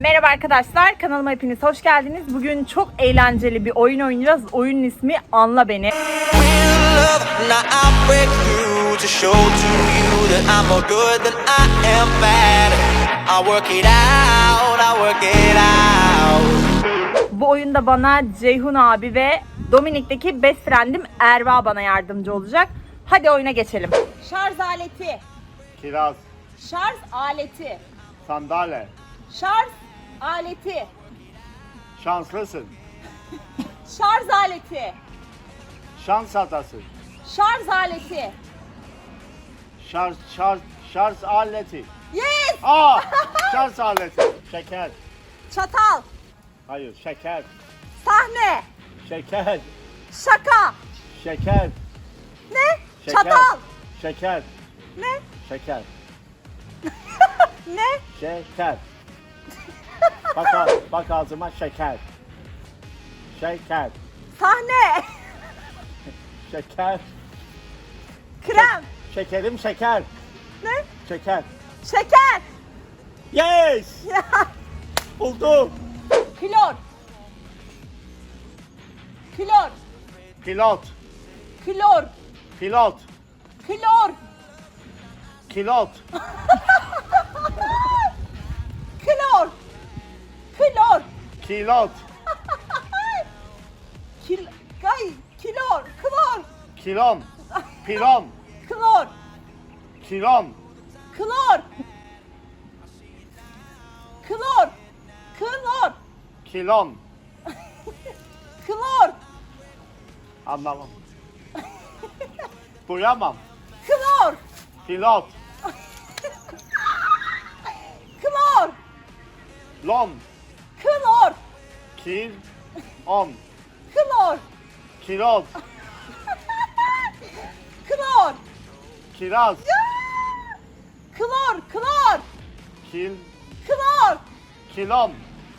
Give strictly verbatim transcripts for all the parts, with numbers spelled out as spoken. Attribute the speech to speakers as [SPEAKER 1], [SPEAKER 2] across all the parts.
[SPEAKER 1] Merhaba arkadaşlar, kanalıma hepiniz hoş geldiniz. Bugün çok eğlenceli bir oyun oynayacağız. Oyunun ismi Anla Beni. Bu oyunda bana Ceyhun abi ve Dominik'teki best friend'im Erva bana yardımcı olacak. Hadi oyuna geçelim. Şarj aleti.
[SPEAKER 2] Kiraz,
[SPEAKER 1] Şarj aleti.
[SPEAKER 2] sandalye,
[SPEAKER 1] Şarj aleti.
[SPEAKER 2] şanslısın,
[SPEAKER 1] Şarj aleti.
[SPEAKER 2] şans atası,
[SPEAKER 1] Şarj aleti.
[SPEAKER 2] şarj, şarj, şarj aleti.
[SPEAKER 1] Yes!
[SPEAKER 2] Aa, şarj aleti, şeker,
[SPEAKER 1] Çatal.
[SPEAKER 2] hayır, şeker,
[SPEAKER 1] Sahne.
[SPEAKER 2] şeker,
[SPEAKER 1] Şaka.
[SPEAKER 2] şeker,
[SPEAKER 1] Ne?
[SPEAKER 2] şeker,
[SPEAKER 1] Çatal.
[SPEAKER 2] şeker,
[SPEAKER 1] Ne?
[SPEAKER 2] şeker,
[SPEAKER 1] Ne?
[SPEAKER 2] şeker. Bak, ağ- bak ağzıma şeker, şeker,
[SPEAKER 1] Sahne.
[SPEAKER 2] şeker,
[SPEAKER 1] Krem.
[SPEAKER 2] şekerim şeker,
[SPEAKER 1] Ne?
[SPEAKER 2] şeker.
[SPEAKER 1] Şeker.
[SPEAKER 2] Yes! Buldum.
[SPEAKER 1] Klor. Klor.
[SPEAKER 2] Pilot,
[SPEAKER 1] Klor.
[SPEAKER 2] pilot,
[SPEAKER 1] Klor.
[SPEAKER 2] kilot,
[SPEAKER 1] Klor. Klor.
[SPEAKER 2] kilot,
[SPEAKER 1] Kil Ay, kilor. Klor.
[SPEAKER 2] kilon, pilon,
[SPEAKER 1] Klor.
[SPEAKER 2] kilon,
[SPEAKER 1] Klor. Klor. Klor.
[SPEAKER 2] kilon.
[SPEAKER 1] Klor.
[SPEAKER 2] Anlamam. Duyamam.
[SPEAKER 1] Klor.
[SPEAKER 2] Pilot,
[SPEAKER 1] Klor.
[SPEAKER 2] lon,
[SPEAKER 1] Klor.
[SPEAKER 2] kil, on,
[SPEAKER 1] Klor.
[SPEAKER 2] kilot,
[SPEAKER 1] Klor.
[SPEAKER 2] kiraz,
[SPEAKER 1] Klor. Klor.
[SPEAKER 2] kil,
[SPEAKER 1] Klor.
[SPEAKER 2] kilon,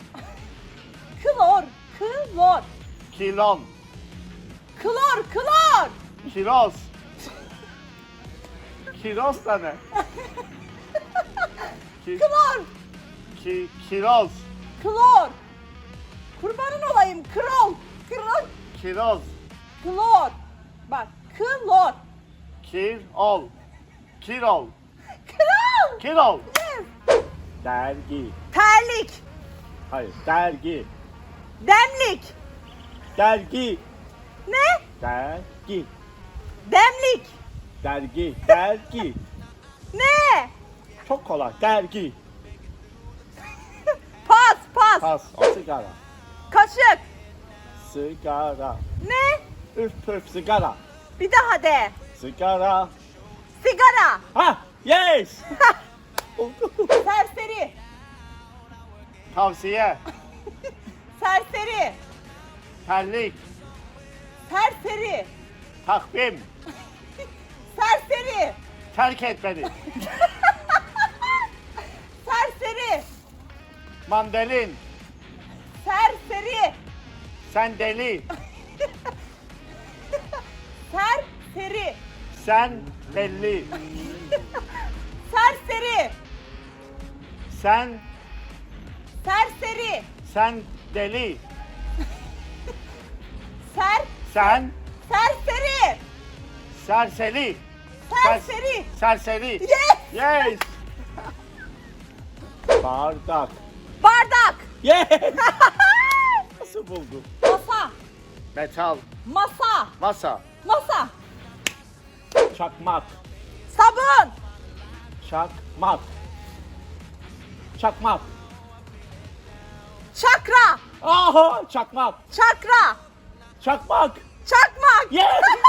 [SPEAKER 1] Klor. Klor.
[SPEAKER 2] kilon,
[SPEAKER 1] Klor. Klor.
[SPEAKER 2] kiroz. Kiroz da ne? Ki,
[SPEAKER 1] Klor.
[SPEAKER 2] ki, kiroz,
[SPEAKER 1] Klor. Kurbanın olayım. Krol. Krol.
[SPEAKER 2] kiroz,
[SPEAKER 1] Klor. Bak. Klor.
[SPEAKER 2] kil, ol, kirol,
[SPEAKER 1] Krol.
[SPEAKER 2] kirol.
[SPEAKER 1] Yes.
[SPEAKER 2] Dergi,
[SPEAKER 1] Terlik.
[SPEAKER 2] hayır, dergi,
[SPEAKER 1] Demlik.
[SPEAKER 2] dergi,
[SPEAKER 1] Ne?
[SPEAKER 2] dergi,
[SPEAKER 1] Demlik.
[SPEAKER 2] dergi, dergi.
[SPEAKER 1] Ne?
[SPEAKER 2] Çok kolay, dergi.
[SPEAKER 1] Pas. Pas.
[SPEAKER 2] Pas, o sigara,
[SPEAKER 1] Kaşık.
[SPEAKER 2] sigara,
[SPEAKER 1] Ne?
[SPEAKER 2] üf püf sigara,
[SPEAKER 1] Bir daha de.
[SPEAKER 2] sigara.
[SPEAKER 1] Sigara.
[SPEAKER 2] Ha, yes. Oldu.
[SPEAKER 1] Serseri.
[SPEAKER 2] Tavsiye,
[SPEAKER 1] Serseri.
[SPEAKER 2] terlik,
[SPEAKER 1] Serseri.
[SPEAKER 2] takvim,
[SPEAKER 1] Serseri.
[SPEAKER 2] terk et beni,
[SPEAKER 1] Serseri.
[SPEAKER 2] mandalin,
[SPEAKER 1] Serseri.
[SPEAKER 2] sen deli,
[SPEAKER 1] Serseri.
[SPEAKER 2] sen belli,
[SPEAKER 1] Serseri.
[SPEAKER 2] sen,
[SPEAKER 1] Serseri.
[SPEAKER 2] sen deli,
[SPEAKER 1] Ser.
[SPEAKER 2] sen
[SPEAKER 1] Serseri.
[SPEAKER 2] serseri,
[SPEAKER 1] Serseri.
[SPEAKER 2] serseri.
[SPEAKER 1] Yes.
[SPEAKER 2] Yes. Bardak.
[SPEAKER 1] Bardak.
[SPEAKER 2] Yes. Nasıl buldun?
[SPEAKER 1] Masa.
[SPEAKER 2] Metal,
[SPEAKER 1] Masa.
[SPEAKER 2] masa,
[SPEAKER 1] Masa.
[SPEAKER 2] çakmak,
[SPEAKER 1] Sabun.
[SPEAKER 2] çakmak, çakmak.
[SPEAKER 1] Çakra.
[SPEAKER 2] Aha, çakmak,
[SPEAKER 1] Çakra.
[SPEAKER 2] çakmak.
[SPEAKER 1] Çakmak.
[SPEAKER 2] Yes.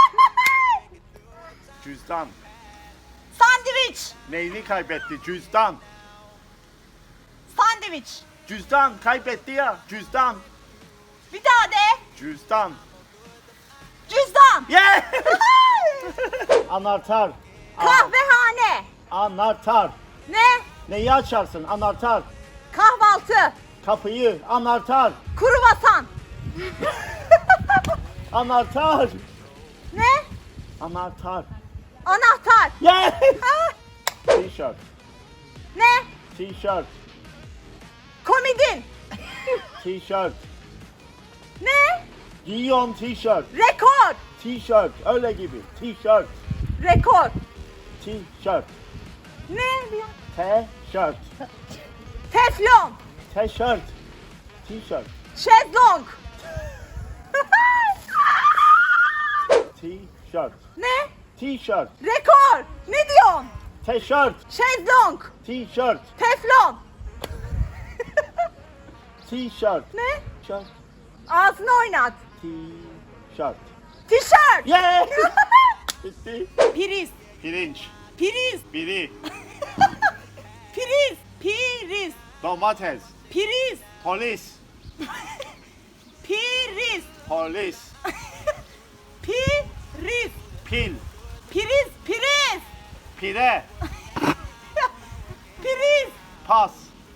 [SPEAKER 2] Cüzdan.
[SPEAKER 1] Sandviç.
[SPEAKER 2] Neyini kaybetti? Cüzdan.
[SPEAKER 1] Sandviç.
[SPEAKER 2] Cüzdan kaybetti ya. Cüzdan.
[SPEAKER 1] Bir daha de.
[SPEAKER 2] Cüzdan.
[SPEAKER 1] Cüzdan.
[SPEAKER 2] Yes. Anahtar.
[SPEAKER 1] Kahvehane.
[SPEAKER 2] Anahtar.
[SPEAKER 1] Ne?
[SPEAKER 2] Neyi açarsın? Anahtar.
[SPEAKER 1] Kahvaltı.
[SPEAKER 2] Kapıyı. Anahtar.
[SPEAKER 1] Kruvasan.
[SPEAKER 2] Anahtar.
[SPEAKER 1] Ne?
[SPEAKER 2] Anahtar.
[SPEAKER 1] Anahtar.
[SPEAKER 2] Yes.
[SPEAKER 1] Ha?
[SPEAKER 2] T-shirt.
[SPEAKER 1] Ne?
[SPEAKER 2] T-shirt.
[SPEAKER 1] Komodin.
[SPEAKER 2] T-shirt.
[SPEAKER 1] Ne?
[SPEAKER 2] Giyiyorum t-shirt.
[SPEAKER 1] Rekor.
[SPEAKER 2] T-shirt. Öyle gibi. T-shirt.
[SPEAKER 1] Rekor.
[SPEAKER 2] T-shirt.
[SPEAKER 1] Ne diyor?
[SPEAKER 2] T-shirt.
[SPEAKER 1] Teflon.
[SPEAKER 2] T-shirt. T-shirt.
[SPEAKER 1] Şezlong.
[SPEAKER 2] T-shirt.
[SPEAKER 1] Ne?
[SPEAKER 2] T-shirt.
[SPEAKER 1] Rekor. Ne diyorsun?
[SPEAKER 2] T-shirt.
[SPEAKER 1] Şezlong.
[SPEAKER 2] T-shirt.
[SPEAKER 1] Teflon.
[SPEAKER 2] T-shirt.
[SPEAKER 1] Ne?
[SPEAKER 2] Shirt.
[SPEAKER 1] Ağzını oynat.
[SPEAKER 2] T-shirt.
[SPEAKER 1] Tişört.
[SPEAKER 2] Yeah! Bitti.
[SPEAKER 1] Priz.
[SPEAKER 2] Pirinç.
[SPEAKER 1] Priz.
[SPEAKER 2] Biri.
[SPEAKER 1] Priz. Priz.
[SPEAKER 2] Domates.
[SPEAKER 1] Priz.
[SPEAKER 2] Polis.
[SPEAKER 1] Priz.
[SPEAKER 2] Polis.
[SPEAKER 1] Priz.
[SPEAKER 2] Pil.
[SPEAKER 1] Priz. Priz.
[SPEAKER 2] Pire.
[SPEAKER 1] Priz.
[SPEAKER 2] Pas.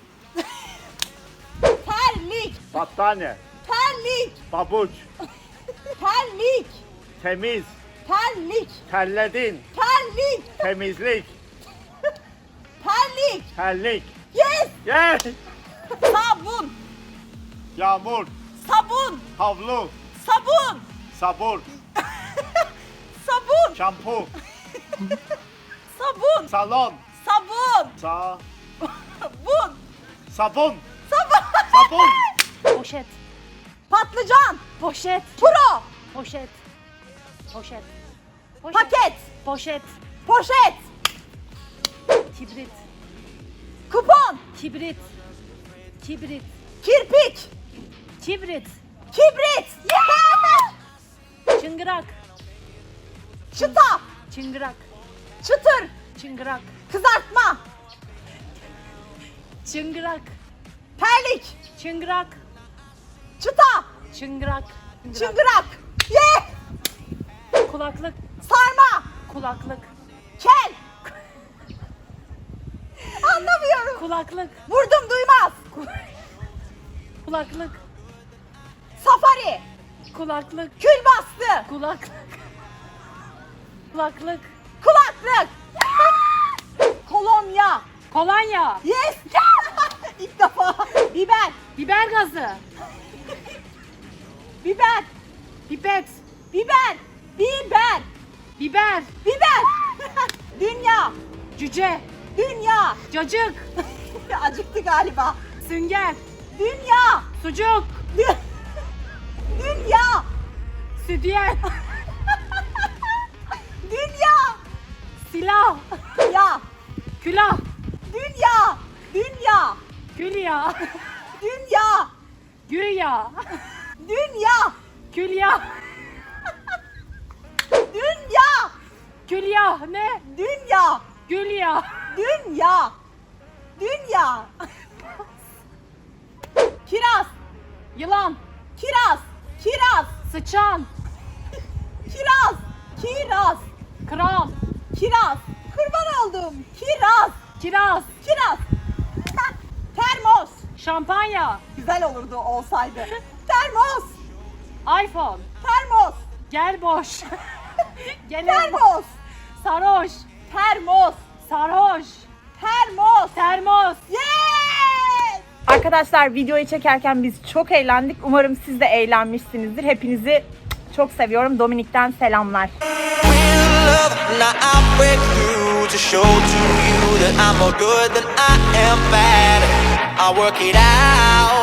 [SPEAKER 1] Terlik.
[SPEAKER 2] Battaniye.
[SPEAKER 1] Terlik.
[SPEAKER 2] Babuç.
[SPEAKER 1] Terlik.
[SPEAKER 2] Temiz.
[SPEAKER 1] Terlik.
[SPEAKER 2] Terledin.
[SPEAKER 1] Terlik.
[SPEAKER 2] Temizlik.
[SPEAKER 1] Terlik.
[SPEAKER 2] Terlik.
[SPEAKER 1] Yes.
[SPEAKER 2] Yeah!
[SPEAKER 1] Sabun.
[SPEAKER 2] Yağmur.
[SPEAKER 1] Sabun.
[SPEAKER 2] Havlu.
[SPEAKER 1] Sabun.
[SPEAKER 2] Sabun.
[SPEAKER 1] Sabun.
[SPEAKER 2] Şampu.
[SPEAKER 1] Sabun.
[SPEAKER 2] Salon.
[SPEAKER 1] Sabun.
[SPEAKER 2] Sa.
[SPEAKER 1] Bun.
[SPEAKER 2] Sabun.
[SPEAKER 1] Sabun.
[SPEAKER 2] Sabun.
[SPEAKER 3] Poşet,
[SPEAKER 1] Patlıcan.
[SPEAKER 3] poşet,
[SPEAKER 1] Puro.
[SPEAKER 3] poşet, poşet, poşet,
[SPEAKER 1] Paket.
[SPEAKER 3] poşet,
[SPEAKER 1] Poşet.
[SPEAKER 3] kibrit,
[SPEAKER 1] Kupon.
[SPEAKER 3] kibrit, kibrit,
[SPEAKER 1] Kirpik.
[SPEAKER 3] kibrit,
[SPEAKER 1] Kibrit. Yeah!
[SPEAKER 3] çıngırak,
[SPEAKER 1] Çıta.
[SPEAKER 3] çıngırak,
[SPEAKER 1] Çıtır.
[SPEAKER 3] çıngırak,
[SPEAKER 1] Kızartma.
[SPEAKER 3] çıngırak,
[SPEAKER 1] Terlik.
[SPEAKER 3] çıngırak,
[SPEAKER 1] Çıta.
[SPEAKER 3] çıngırak,
[SPEAKER 1] Çıngırak. Yeah!
[SPEAKER 3] kulaklık,
[SPEAKER 1] Sarma.
[SPEAKER 3] kulaklık,
[SPEAKER 1] Kel. Anlamıyorum.
[SPEAKER 3] kulaklık,
[SPEAKER 1] Vurdum duymaz.
[SPEAKER 3] kulaklık,
[SPEAKER 1] Safari.
[SPEAKER 3] kulaklık,
[SPEAKER 1] Kül bastı.
[SPEAKER 3] kulaklık, kulaklık,
[SPEAKER 1] Kulaklık. Kolonya.
[SPEAKER 3] kolonya,
[SPEAKER 1] Yes. İlk defa. Biber.
[SPEAKER 3] biber gazı,
[SPEAKER 1] Biber.
[SPEAKER 3] pipet,
[SPEAKER 1] Biber. Biber.
[SPEAKER 3] biber,
[SPEAKER 1] Biber. Dünya.
[SPEAKER 3] cüce,
[SPEAKER 1] Dünya.
[SPEAKER 3] cacık,
[SPEAKER 1] Acıktı galiba.
[SPEAKER 3] sünger,
[SPEAKER 1] Dünya.
[SPEAKER 3] sucuk,
[SPEAKER 1] Dü- Dünya.
[SPEAKER 3] sütyen,
[SPEAKER 1] Dünya.
[SPEAKER 3] silah,
[SPEAKER 1] Ya.
[SPEAKER 3] külah,
[SPEAKER 1] Dünya. Dünya.
[SPEAKER 3] külya,
[SPEAKER 1] Dünya.
[SPEAKER 3] güya,
[SPEAKER 1] Dünya.
[SPEAKER 3] külya,
[SPEAKER 1] Dünya.
[SPEAKER 3] külya ne?
[SPEAKER 1] Dünya.
[SPEAKER 3] Gülya,
[SPEAKER 1] Dünya. Dünya. Kiraz.
[SPEAKER 3] yılan,
[SPEAKER 1] Kiraz. Kiraz.
[SPEAKER 3] sıçan,
[SPEAKER 1] Kiraz. Kiraz.
[SPEAKER 3] kral,
[SPEAKER 1] Kiraz. Kurban oldum. Kiraz.
[SPEAKER 3] kiraz,
[SPEAKER 1] Kiraz. Termos.
[SPEAKER 3] şampanya,
[SPEAKER 1] Güzel olurdu olsaydı. Termos.
[SPEAKER 3] iPhone,
[SPEAKER 1] Termos.
[SPEAKER 3] gel boş, gel
[SPEAKER 1] Termos.
[SPEAKER 3] sarhoş,
[SPEAKER 1] Termos.
[SPEAKER 3] sarhoş,
[SPEAKER 1] Termos.
[SPEAKER 3] termos.
[SPEAKER 1] Yes! Arkadaşlar videoyu çekerken biz çok eğlendik. Umarım siz de eğlenmişsinizdir. Hepinizi çok seviyorum. Dominik'ten selamlar.
[SPEAKER 4] Love, now I break through to show to you that I'm more good than I am bad. I work it out.